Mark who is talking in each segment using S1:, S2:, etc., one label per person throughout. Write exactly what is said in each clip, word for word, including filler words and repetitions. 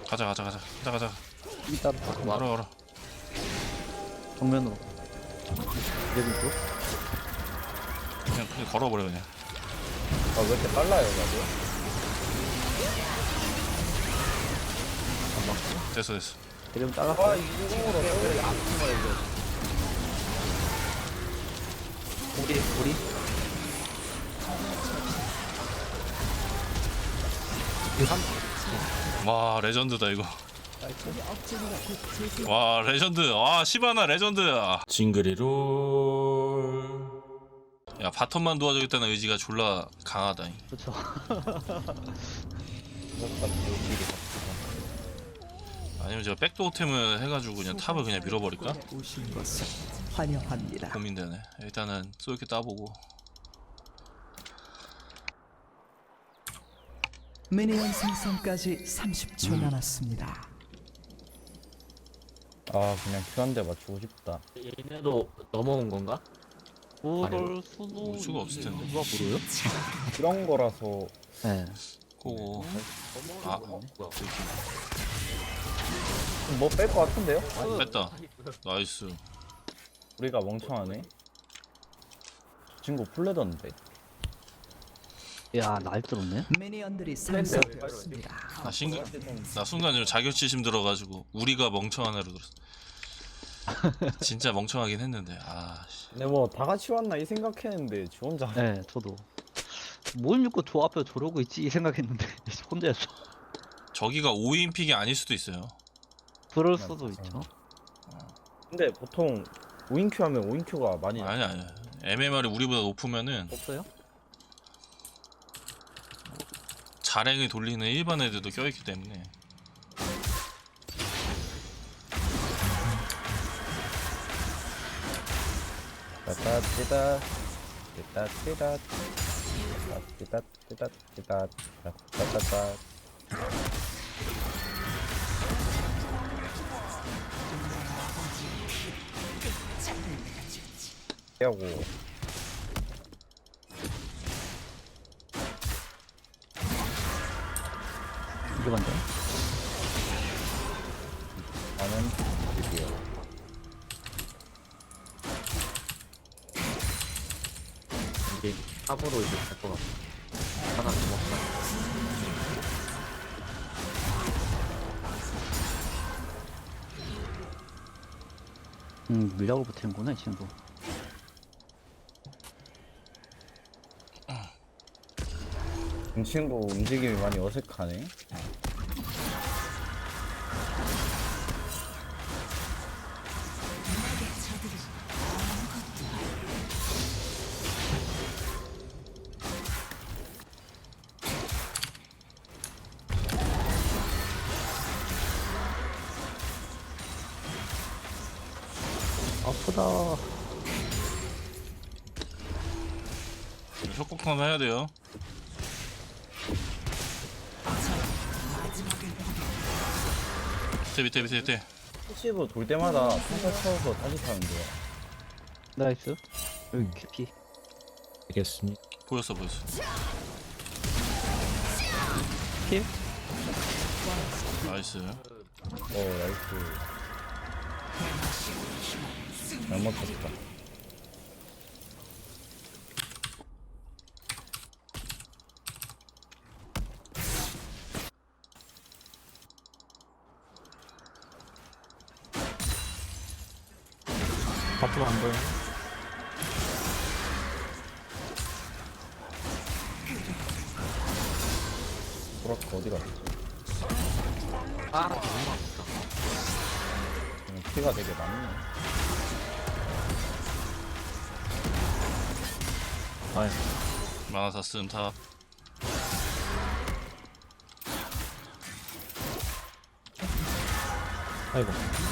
S1: 가자 가자 가자 가자 가자.
S2: 이따 와
S1: 걸어 걸어.
S2: 정면으로 내리고.
S1: 그냥 그냥 걸어버려 그냥.
S3: 아, 왜 이렇게 빨라요, 나도?
S1: 됐어 됐어.
S2: 대령
S3: 아,
S2: 잘랐어.
S3: 이중으로 왜 안 통과, 이거.
S2: 우리 우리
S1: 와 레전드다 이거. 와 레전드. 와 시바나 레전드야. 징그리롤. 야 바텀만 도와주겠다는 의지가 졸라 강하다.
S2: 그렇죠.
S1: 아니면 제가 백도어템을 해가지고 그냥 탑을 그냥 밀어버릴까?
S4: 오신 것을 환영합니다.
S1: 고민되네. 일단은 쏠게 따보고.
S4: 미니언 생성까지 삼십 초 남았습니다.
S3: 아, 그냥 큐 한 대 맞추고 싶다.
S5: 얘네도 넘어온 건가?
S2: 그럴 수도
S1: 올 수가 없을 텐데.
S2: 누가 모르요?
S3: 그런 거라서.
S2: 네.
S1: 고고.
S5: 넘어온
S1: 아.
S5: 거 뭐야?
S3: 뭐 뺄 것 같은데요?
S1: 뺐다. 나이스.
S3: 우리가 멍청하네. 저 친구 풀레던데.
S2: 야, 날 들었네.
S4: 미니언들이 생성되었습니다.
S1: 나 신기. 나 순간 좀 자격지심 들어가지고 우리가 멍청한 애로 들었어. 진짜 멍청하긴 했는데. 아 씨.
S3: 근데 뭐 다 같이 왔나 이 생각했는데 지 혼자.
S2: 네, 저도. 뭘 믿고 저 앞에 저러고 있지 이 생각했는데 혼자였어.
S1: 저기가 오 인 픽이 아닐 수도 있어요.
S2: 그럴 수도 있죠.
S3: 근데 보통 오 인 큐 하면 오 인 큐가 많이 나.
S1: 아니 아니. 엠엠알이 우리보다 높으면은
S2: 없어요?
S1: 자랭을 돌리는 일반 애들도 껴있기 때문에.
S3: 따따 띠다 띠다 띠다 띠다 띠다 띠다 따따따. 하고
S2: 이게 맞네.
S3: 나는 드디어
S5: 이게 탑으로 이제 갈 것 같아. 하나 더 먹자.
S2: 음, 밀라고 붙이는구나 이 친구.
S3: 이 친구 움직임이 많이 어색하네.
S2: 아프다.
S1: 협곡탄 해야 돼요. 밑에 밑에 밑에 밑에.
S3: 패시브 돌 때마다 평타 쳐서 다시 타면 돼요.
S2: 나이스. 여기 캐피.
S5: 알겠습니다.
S1: 보였어 보였어.
S2: 킬?
S1: 나이스.
S3: 어, 나이스. 잘 맞췄다.
S5: 앞으로 안 보여.
S3: 소라카 어디 갔지?
S5: 아, 너무 아프다.
S3: 음, 피가 되게 많네.
S1: 아이. 마나사 쓰음 탑.
S5: 아이고.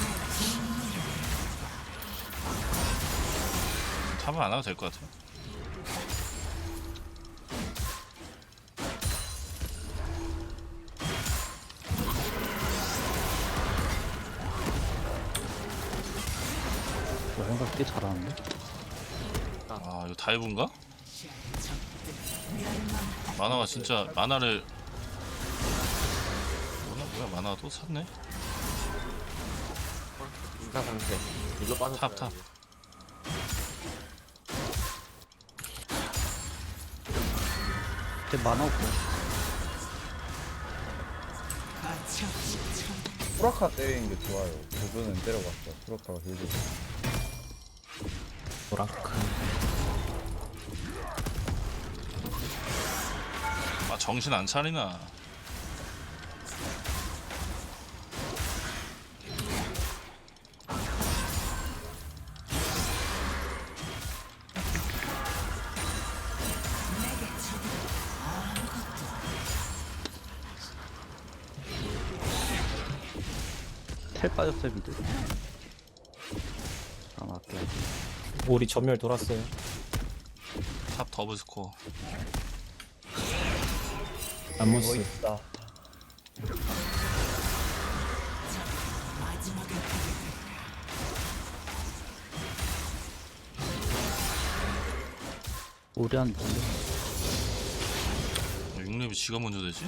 S1: 탑은 안 와도 될 것 같아.
S2: 저 생각 꽤 잘하는데.
S1: 아 이거 다이브인가? 만화가 진짜 만화를 뭐야 만화 또 샀네?
S5: 인사 상태. 일로 빠졌어요.
S1: 탑, 탑.
S2: 제 만화 없고.
S3: 프라카 때리는 게 좋아요. 그분은 때려봤어. 프라카가 길게.
S5: 보라카.
S1: 아 정신 안 차리나.
S2: 텔 빠졌어요 미드. 아 맞게.
S6: 우리 전멸 돌았어요.
S1: 탑 더블 스코어.
S3: 뭐
S6: 안무스.
S3: 있다.
S2: 오리안
S1: 육 렙이 지가 먼저 되지?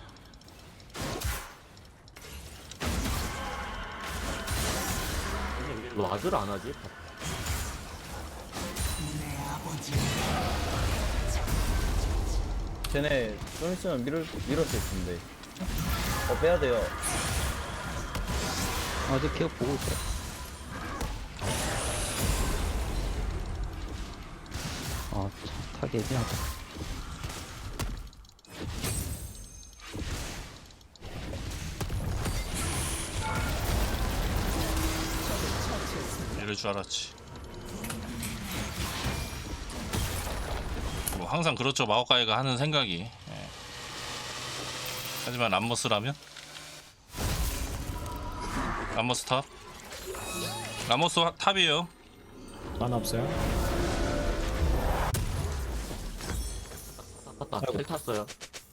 S5: 왜 와드를 안 하지?
S3: 쟤네 좀 있으면 밀을 밀었을 텐데. 어 빼야 돼요.
S2: 어제 계속 보고 있어요. 아, 참, 타기 애매하다.
S1: 이럴 줄 알았지. 뭐 항상 그렇죠 마오카이가 하는 생각이. 예. 하지만 람머스라면? 람머스 탑? 람머스 하- 탑이에요.
S6: 하나 없어요.
S5: 탔다. 텔 탔어요.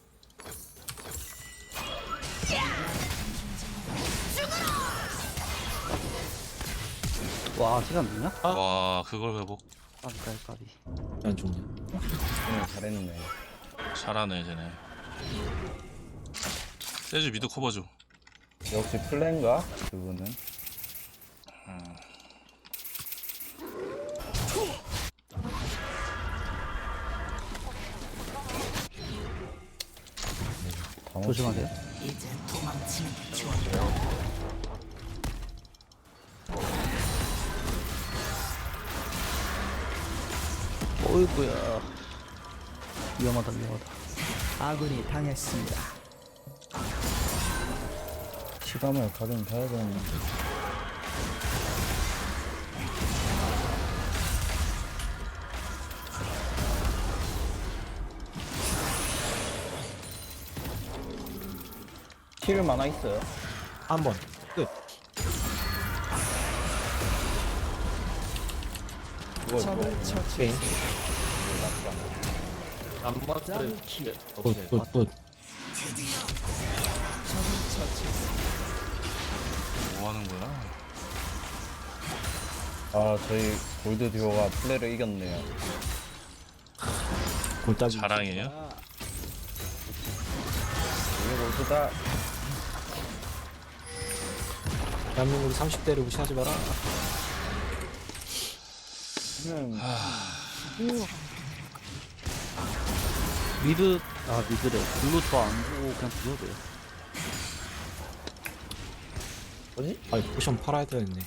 S2: 와, 시간 되냐?
S6: 아.
S1: 와 그걸 회복.
S2: 까비, 까비, 까비.
S6: 안 죽냐.
S3: 쟤네 잘했네.
S1: 잘하네 쟤네. 세주 미드 커버 줘.
S3: 역시 플랜가 그분은. 다
S2: 조심하세요. 어이구야. 위험하다, 위험하다.
S4: 아군이 당했습니다.
S3: 시감을 가좀 봐야 되는데. 킬 많아 있어요.
S6: 한 번. 끝.
S3: 이거
S4: 적을
S3: 이거
S4: 처치.
S5: 안 맞았어요.
S6: 굿, 굿, 굿.
S1: 뭐 하는 거야?
S3: 아 저희 골드 듀오가 플레이를 이겼네요.
S6: 골따기.
S1: 자랑이에요?
S3: 이게 골드다.
S6: 대한민국 삼십 대를 무시하지 마라.
S3: 음,
S2: 미드, 아, 미드래. 블루 저안 보고 그냥 들어도 돼요.
S3: 뭐지?
S6: 아, 포션 팔아야 되겠네.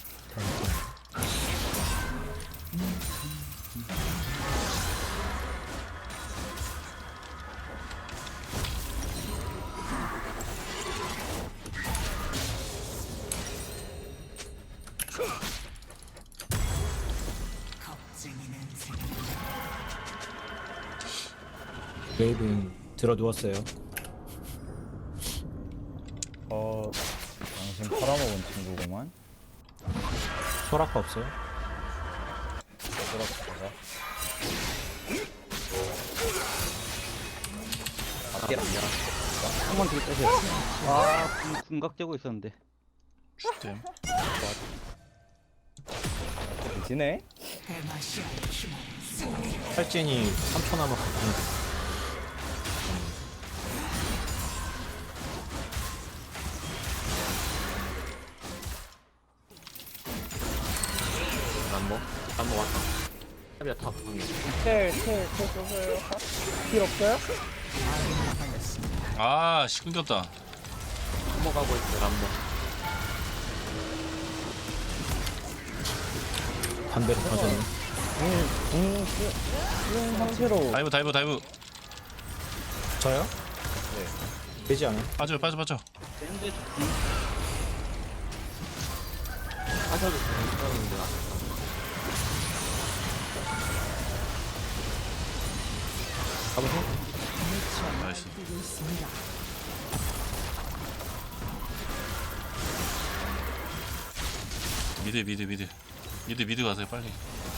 S6: 웨이브는 들어 누웠어요.
S3: 어 당신 팔아먹은 친구구만.
S6: 소라카 없어요?
S3: 그렇다가 아끼라.
S2: 한번 뒤로 빼세요. 아, 군- 군각 재고 있었는데.
S1: 슈템.
S3: 지네?
S6: 탈진이 삼 초 남았거든요.
S5: 람보 람보 왔다. 탑이야 탑 방금.
S3: 텔텔텔 써서요. 필 없어요?
S4: 아군이 당했습니다.
S1: 아, 씨 끊겼다.
S5: 넘어가고 있어 람보.
S6: 반대로 가졌네.
S3: 궁궁 쓰는 상태로
S1: 다이브 다이브 다이브.
S6: 저요? 네. 되지 않아요?
S1: 빠져 빠져 빠져.
S5: 빠져도 되는데 나. 가보세요.
S1: 나이스.
S4: 뛰고 있습니다.
S1: 미드 미드 미드. 미드 미드 가세요 빨리.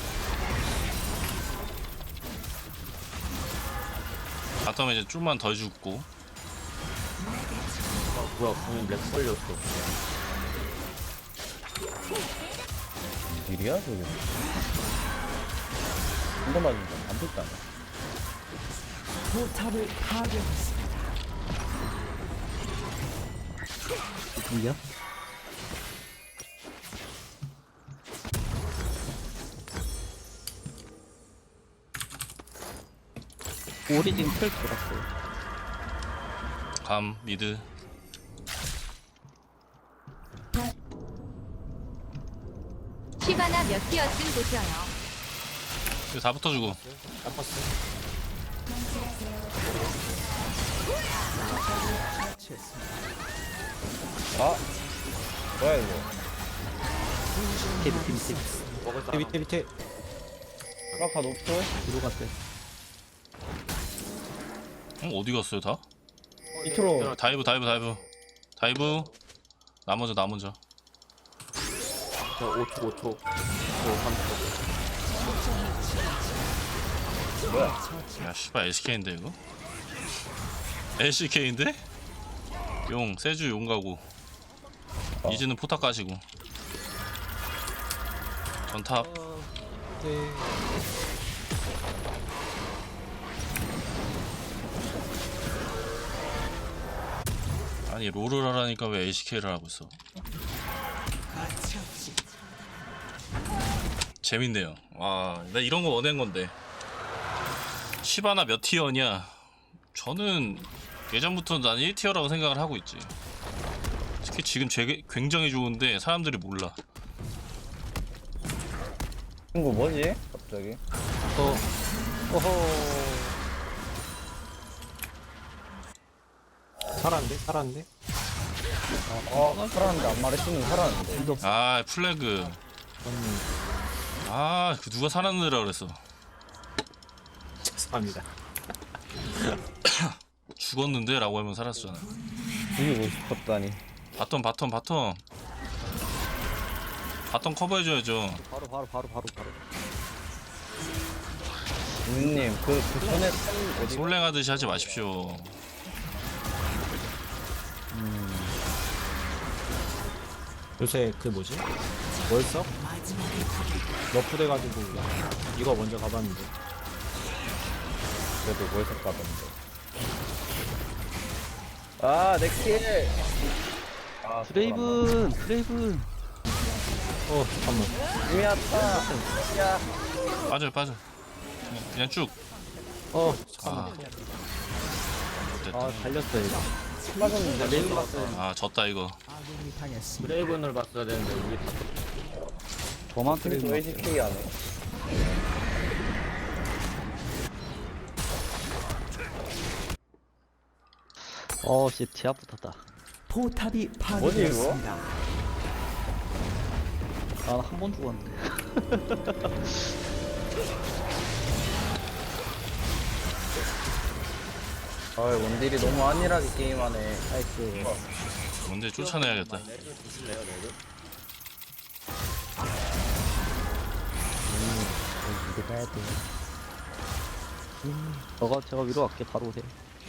S1: 바텀에 이제 좀만 더 죽고.
S5: 아, 뭐야 궁이 렉 걸렸어.
S3: 일이야 저게? 한대 맞은다. 안 붙다.
S4: 포탑을 파괴했습니다.
S2: 이겨? 오리진 펼 돌았어요.
S1: 감 미드.
S7: 시바나 몇 티어쯤 보셔요.
S1: 이거 다 붙어주고.
S3: 아 뭐야 이거?
S2: 밑에 밑에 밑에
S5: 먹을
S6: 밑에
S5: 사람.
S6: 밑에 밑에.
S3: 아까 높죠?
S2: 뒤로 갔어요.
S1: 어, 어디 갔어요 다?
S3: 밑으로
S1: 다이브 다이브 다이브. 다이브. 나 먼저 나 먼저.
S5: 저 오 초 오 초. 오 삼 초.
S1: 야 씨발 에스케이인데 이거? 엘씨케이인데? 용 세주 용 가고. 이즈는 포탑 가시고. 전탑.
S6: 네.
S1: 아니 롤을 하라니까 왜 엘씨케이를 하고 있어? 재밌네요. 와, 나 이런 거 원한 건데. 시바나 몇 티어냐? 저는 예전부터 난 일 티어라고 생각을 하고 있지. 특히 지금 제 굉장히 좋은데 사람들이 몰라.
S3: 친구 뭐지? 갑자기?
S2: 어, 어허.
S6: 살았는데? 살았는데?
S3: 어 살았는데 안 말했으면 살았는데.
S1: 아 플래그.
S6: 음,
S1: 아, 그 누가 살았느라 그랬어.
S6: 죄송합니다.
S1: 죽었는데? 라고 하면 살았잖아.
S3: 죽이고 싶었다니.
S1: 바텀 바텀 바텀. 바텀 커버해줘야죠.
S2: 바로 바로 바로 바로 바로.
S3: 유님 그, 그 전에 텔 어디?
S1: 솔랭하듯이 하지 마십시오.
S6: 요새 그 뭐지? 월석? 너프 돼가지고 이거 먼저 가봤는데.
S3: 그래도 월석 가던데. 아, 내 킬! 아,
S2: 브레이븐 브레이븐.
S6: 어 잠깐만.
S3: 이미 왔다. 야,
S1: 빠져요 빠져. 그냥, 그냥 쭉.
S6: 어
S1: 아.
S6: 잠깐만.
S1: 됐다.
S2: 아 달렸어요 이거.
S3: 맞았는데 레이븐 왔어요.
S1: 아 졌다 이거.
S4: 아군이 당했습니다.
S5: 브레이븐을 봤어야 되는데 우리 다
S2: 저만
S3: 그래도
S2: 브레이븐.
S3: 에이지케이 안 해.
S2: 어, 씨, 제압 붙었다.
S4: 포탑이
S3: 뭐지,
S4: 파괴되었습니다.
S2: 아, 한 번 죽었는데.
S3: 아, 원딜이 너무 안일하게 게임하네.
S2: 나이스.
S1: 뭔데 쫓아내야겠다.
S3: 이거 가야 돼.
S2: 저가 제가 위로 갈게. 바로 오세요.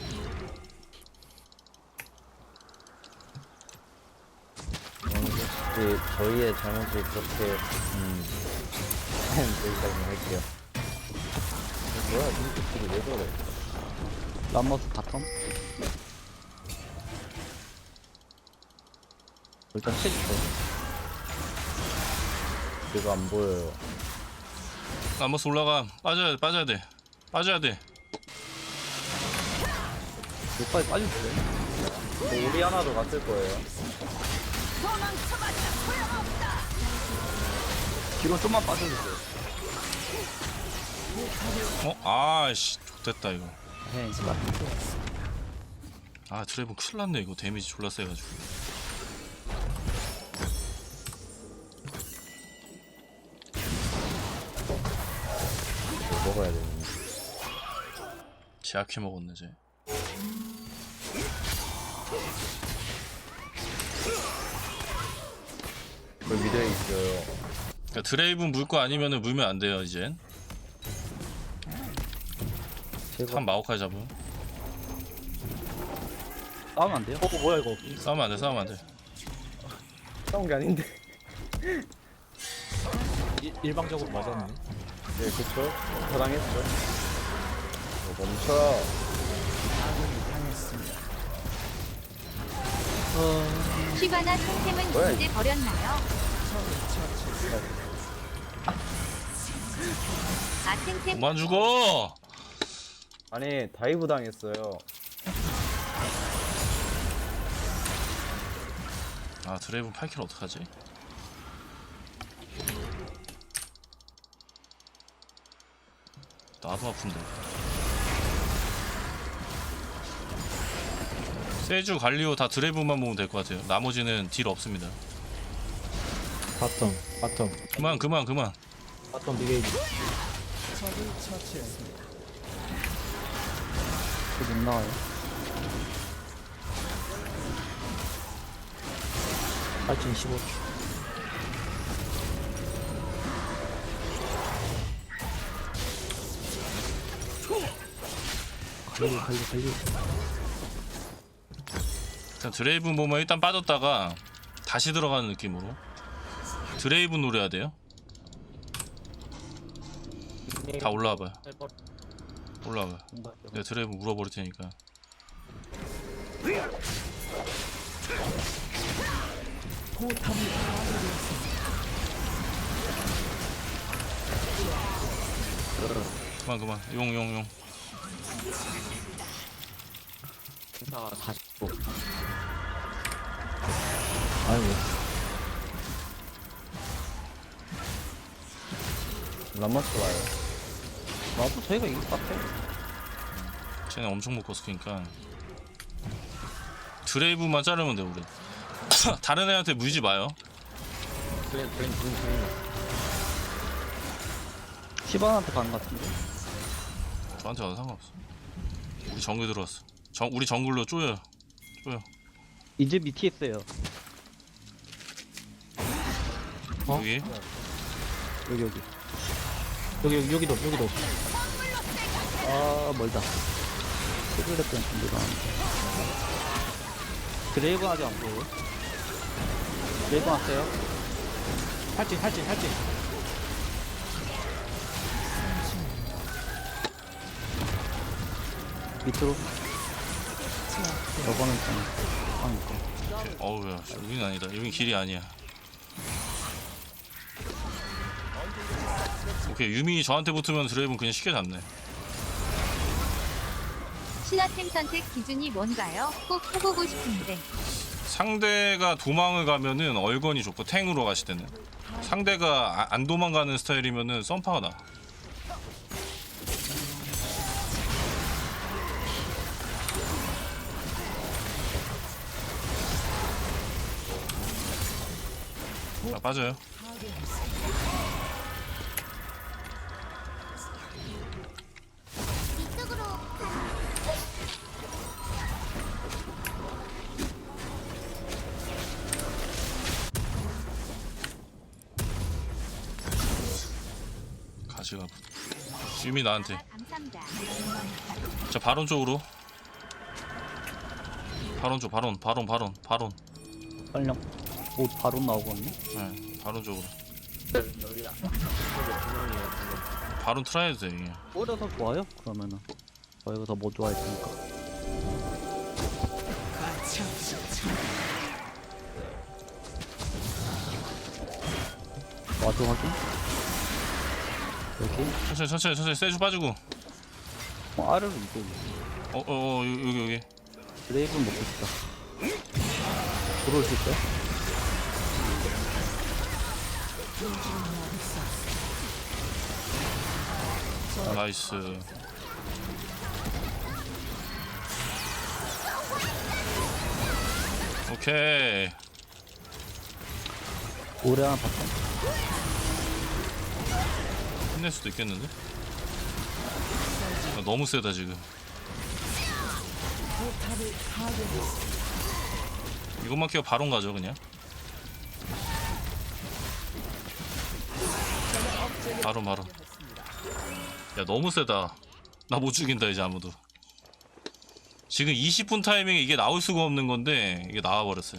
S3: 혹시 저희의 잘못이 그렇게 음 여기까지 할게요. 뭐야, 민트끼리 왜 저래?
S2: 람머스 바텀. 일단 해주세요.
S3: 이거 안 보여요.
S1: 라모스 올라가. 빠져야 돼. 빠져야 돼. 빠져야 돼.
S2: 여기까지 빠졌어요.
S3: 뭐 우리 하나도 갔을 거예요.
S2: 뒤로 좀만 빠져주세요.
S1: 어? 아씨 됐다 이거.
S2: 네, 이제 맞
S1: 아 드래곤 큰일 났네 이거. 데미지 졸라 세가지고.
S3: 먹어야 되는데.
S1: 제약해 먹었네 쟤.
S3: 그 미드에 있어요.
S1: 그러니까 드레이븐 물 거 아니면은 물면 안 돼요 이젠. 한 마오카이 잡음.
S2: 싸우면 안 돼요?
S6: 어 뭐야 이거?
S1: 싸우면 안 돼. 싸우면 안 돼.
S3: 싸운 게 아닌데.
S6: 일, 일방적으로 맞았네.
S3: 네, 그쵸? 저당했죠. 어, 멈춰.
S7: 쉬바나 템템은
S3: 뭐야,
S7: 이제 버렸나요? 아 템템
S1: 그만 죽어.
S3: 아니, 다이브 당했어요.
S1: 아 드레이븐 팔 킬 어떡하지? 나도 아픈데. 세주 갈리오 다 드레이븐만 모으면 될 것 같아요. 나머지는 딜 없습니다.
S6: 바텀 바텀
S1: 그만 그만 그만.
S6: 바텀 미게이지.
S4: 적을 처치했습니다.
S2: 못 나와요.
S6: 팔진 십오 초.
S2: 갈리, 갈리, 갈리.
S1: 일단 드레이븐 보면 일단 빠졌다가 다시 들어가는 느낌으로 드레이븐 노려야 돼요. 다 올라와봐요. 올라와봐요. 내가 드레이븐 물어버릴 테니까.
S4: 포탑이 파괴되었습니다.
S1: 그만 그만. 용 용 용.
S5: 행사가 사십 초.
S2: 아이고.
S3: 람마스 와요.
S2: 나도 저희가 이길 것 같아.
S1: 쟤네 엄청 못 껐으니까 드레이브만 자르면 돼 우리. 다른 애한테 물지 마요.
S5: 플랜 플랜 플랜 플랜.
S2: 시바한테 가는 것 같은데.
S1: 저한테 와도 상관없어. 우리 정글 들어왔어. 정, 우리 정글로 쪼여. 쪼여.
S2: 이제 밑에 있어요.
S6: 어?
S1: 여기.
S2: 여기, 여기.
S6: 여기 여기 여기도 여기도.
S2: 아, 멀다. 스플렉전 준비가 안 돼. 드레이븐 아직 안 보여요? 드레이븐 왔어요?
S6: 팔진 팔진 팔진.
S2: 밑으로. 여거는 좀, 하니까.
S1: 어우야, 여긴 아니다. 여긴 길이 아니야. 오케이, 유민이 저한테 붙으면 드레이븐 그냥 쉽게 잡네.
S7: 신화템 선택 기준이 뭔가요? 꼭 해보고 싶은데.
S1: 상대가 도망을 가면은 얼건이 좋고 탱으로 가실 때는 상대가 아- 안 도망가는 스타일이면은 썬파가 나. 아, 빠져요. 가지가 유미 나한테.
S7: 감사합니다.
S1: 자 바론 쪽으로. 바론 쪽 바론 바론 바론 바론.
S2: 빨령. 오, 바로 나오거든요?
S1: 네, 바론 쪽으로.
S5: 여기야.
S1: 바론 트라이도 돼 이게.
S2: 오히려 더 좋아요? 그러면은. 저희가 더 뭐 좋아했으니까. 와도 확인. 여기.
S1: 천천히 천천히 천천히 세주 빠지고.
S2: 어, 아래로 이거.
S1: 어어 어, 어, 여기 여기.
S2: 드레이브는 먹고 싶다. 들어올 수 있어요?
S1: 나이스. 오케이.
S2: 오래 하나 봤다.
S1: 힘낼 수도 있겠는데? 아, 너무 세다 지금. 이것만 키워 바론 가죠 그냥. 바론 바론. 야 너무 세다. 나 못 죽인다 이제 아무도. 지금 이십 분 타이밍에 이게 나올 수가 없는 건데 이게 나와버렸어요.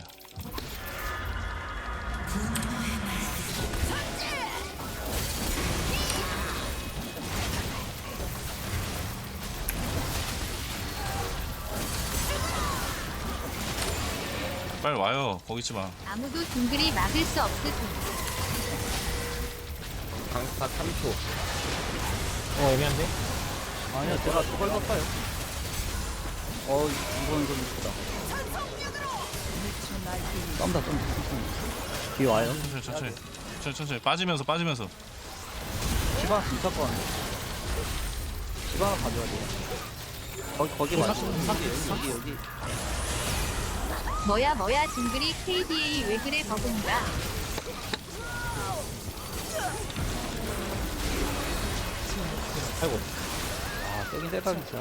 S1: 빨리 와요. 거기 있지 마.
S7: 아무도 둥글이 막을 수 없으니
S5: 강타 삼 초.
S6: 어 애매한데?
S2: 아니야, 제가 저걸 샀어요. 어, 이건 좀 이쁘다. 썸다, 썸다. 뒤에 와요.
S1: 천천히 천천히 천천히 천천히 빠지면서 빠지면서.
S2: 시바 진짜 거네. 시바 하나 가져야 돼요. 거기, 거기 말고. 여기, 여기, 여기.
S7: 뭐야 뭐야 둥글이 케이디에이 왜 그래 버금가.
S6: 아이고.
S2: 아, 세긴 세다, 진짜.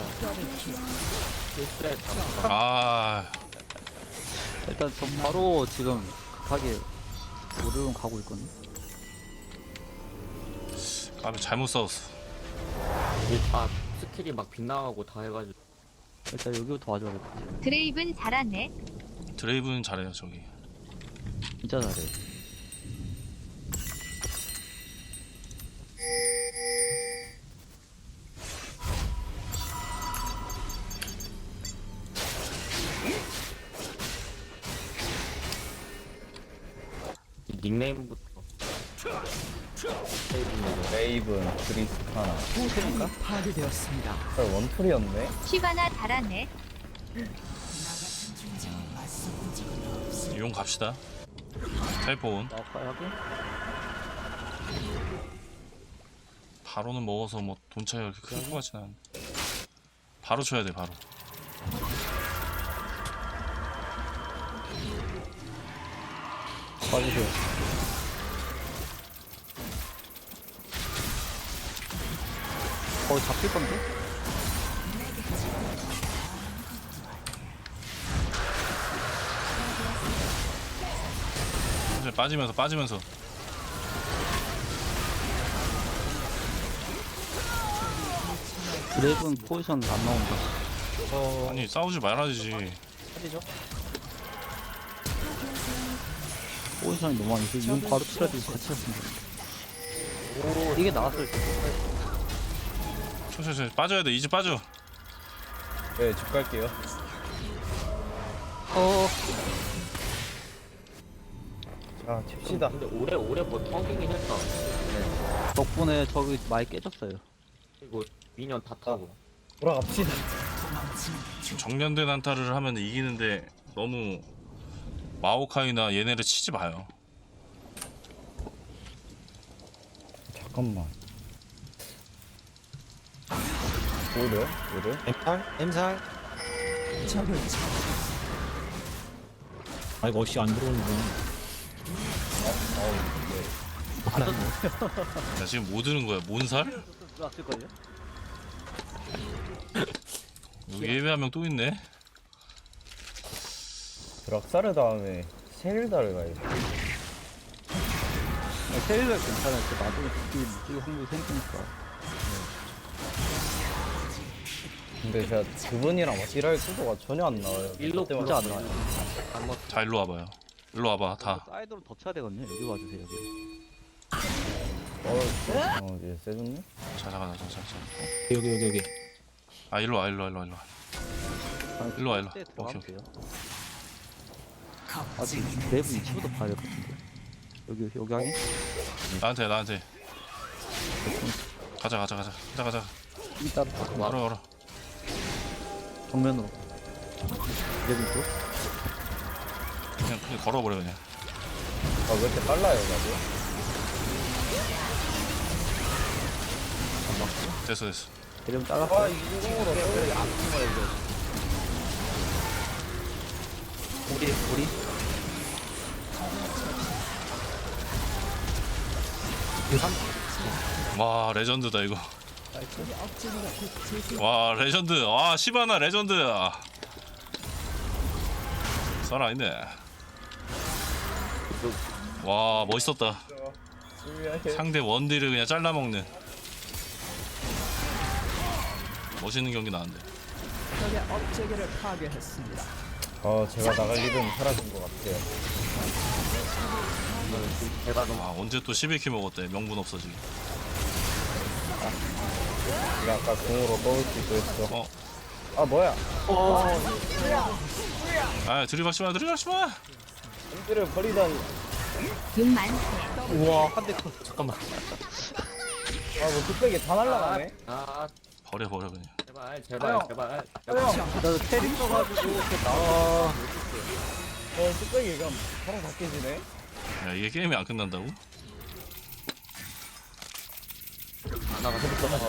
S1: 아
S2: 일단 전 바로 지금 급하게 오르론 가고 있거든요.
S1: 까비 잘못 싸웠어.
S5: 이게 다 스킬이 막 빗나가고 다 해가지고.
S2: 일단 여기부터 와줘야 될 것 같아요.
S7: 드레이븐 잘하네.
S1: 드레이브는 잘해요 저기.
S2: 진짜 잘해.
S5: 이 닉네임부터.
S3: 레이븐, 그리스카나.
S2: 그러니까?
S4: 파괴되었습니다.
S3: 아, 원툴이었네?
S7: 쉬바나 잘하네.
S1: 용 갑시다. 텔폰
S2: 나올까요, 하긴?
S1: 바로는 먹어서 뭐 돈 차이가 이렇게 클 것 같진 않은데. 바로 쳐야 돼 바로.
S2: 빠지세요. 거의 잡힐 건데?
S1: 천천히 빠지면서 빠지면서.
S2: 드래곤 포지션 안 나온다.
S1: 아니 싸우지 말아야지.
S2: 포지션이 너무 많이 있어. 용 바로 치러야 되고 같이 했으면 오, 이게 나왔을 때.
S1: 천천히 천천히 빠져야 돼. 이제 빠져.
S3: 네, 집 갈게요.
S2: 어,
S3: 자, 칩시다.
S5: 근데 오래 오래 버텨기긴 했다.
S2: 덕분에 저기 많이 깨졌어요.
S5: 이거 미니언 다 타고.
S3: 돌아갑시다.
S1: 지금 정면된 한타를 하면 이기는데 너무 마오카이나 얘네를 치지 마요.
S3: 잠깐만. 오래? 오래?
S6: 엠살? 엠살?
S4: 적을 쳐.
S6: 아 이거 어시 안 들어오는데.
S1: 나 지금 뭐 드는 거야? 몬살?
S2: 들어왔을걸요?
S1: 여기 예외 한 명 또 있네.
S3: 드락사르 다음에 셀다를 가야지.
S2: 세일러 괜찮아요. 그 나중에 그게 무지개 확률이 생기니까.
S3: 근데 제가 그분이랑 같이 일할 구도가 전혀 안 나와요.
S5: 일로
S3: 그때마다
S2: 진짜 안 나와요.
S5: 한번
S1: 자 일로 와봐요. 일로 와봐 다.
S2: 사이드로 덮쳐야 되거든요. 여기 와주세요. 여기.
S3: 어, 어, 이제 세졌네?
S1: 자 잠깐 잠깐 잠깐.
S6: 여기 여기 여기.
S1: 아 일로 와 일로 와 일로 와 일로 와. 일로 와, 일로 와.
S2: 들어가면
S1: 오케이,
S2: 돼요. 아, 지금 내부 위치부터 봐야 될 것 같은데. 여기 여기 하기.
S1: 나한테 나한테. 가자 가자 가자 가자 가자.
S2: 이따 딱 와.
S1: 걸어 걸어.
S2: 정면으로. 레벨 쪽.
S1: 그냥 그냥 걸어버려 그냥.
S3: 아, 왜 이렇게 빨라요, 나도?
S1: 됐어 됐어.
S2: 레벨 잘랐어.
S3: 와, 이중으로 왜 아픈 거야, 이거.
S2: 우리 우리.
S1: 와 레전드다 이거. 와 레전드. 와 시바나 레전드. 살아있네. 와 멋있었다. 상대 원딜을 그냥 잘라먹는 멋있는 경기 나왔는데.
S4: 적의 업체계를 파괴했습니다.
S3: 어, 제가 나갈 일은 사라진 것 같아요.
S5: 제가 너무
S1: 아 언제 또 십일 킬 먹었대. 명분 없어지게.
S3: 내가 아까 공으로 떠올 수도 했어.
S1: 어.
S3: 아, 뭐야?
S1: 아 들이박지마 들이박지마.
S3: 엠지를 버리다니.
S7: 용 많대.
S6: 우와 한 대 잠깐만.
S3: 아, 뭐 뚝배기 다 날라가네?
S5: 아
S1: 버려 버려 그냥.
S5: 제발 제발 제발
S2: 나도 테리 써가지고 이렇게 나와.
S3: 어, 뚝배기가 바로 다 깨지네?
S1: 야 이게 게임이 안 끝난다고?
S5: 하나가 해볼 거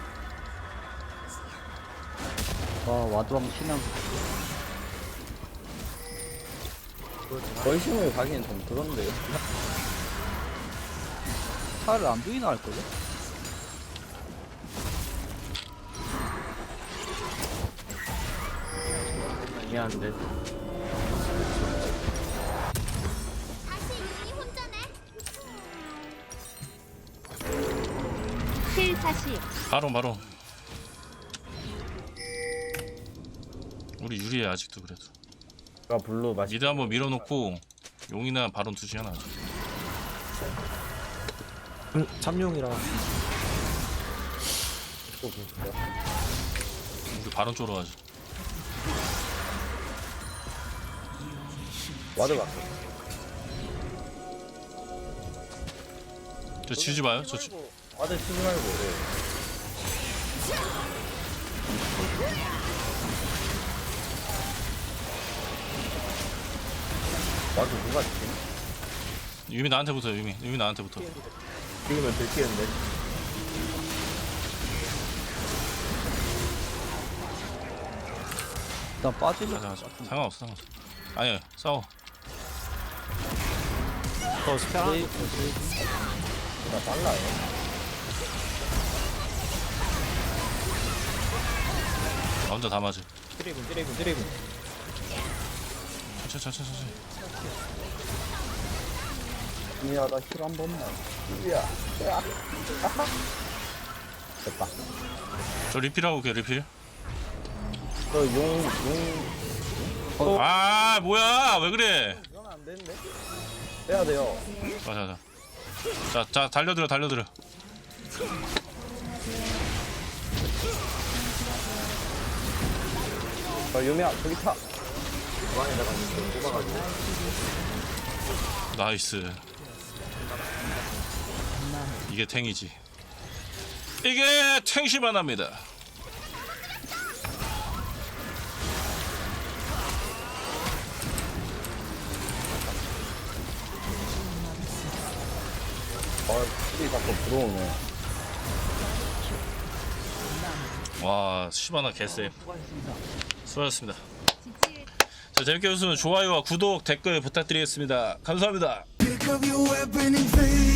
S2: 와 와도 한번 신앙.
S3: 벌심을 가기엔 좀 그런데요.
S2: 차를 안 보이나 할 거죠?
S5: 미안한데
S7: 칠 사십.
S1: 바로 바로. 우리 유리해 아직도 그래도.
S3: 가 블루 맛이
S1: 미드 한번 밀어놓고 용이나 바론 투시 하나.
S6: 음, 참용이라.
S3: 또 보시죠.
S1: 우리 바론 쪽으로 가자.
S3: 와드 가.
S1: 저 치우지 마요. 저 치...
S3: 와드 치지 말고. 네. 와드 누가 치지?
S1: 유미 나한테 붙어. 유미 유미 나한테 붙어.
S3: 지금은 들키는데.
S2: 일단 빠지려.
S1: 가자 가자. 상관없어 상관없어. 아니야 싸워.
S6: 더 스펠 하나.
S3: 나 빨라요.
S1: 나 혼자 다 맞아.
S6: 드래곤 드래곤 드래곤.
S1: 천천히 천천히 천천히.
S3: 미야, 나 힐 한 번만. 미야. 야. 아하. 됐다.
S1: 저 리필하고 올게 리필.
S3: 저 용, 용.
S1: 아 뭐야 왜 그래.
S3: 이건 안 되는데? 빼야 돼요.
S1: 가자 가자. 자, 자 달려들어 달려들어.
S3: 저 유미야, 저기 타.
S5: 중앙에다가 이렇게 뽑아가지고
S1: 나이스. 이게 탱이지. 이게 탱시바나입니다.
S3: 어, 힐이 자꾸 들어오네.
S1: 와 시바나 개쎄. 수고하셨습니다.
S7: 지칠.
S1: 자 재밌게 보셨으면 좋아요와 구독 댓글 부탁드리겠습니다. 감사합니다.
S4: Pick up your weapon and face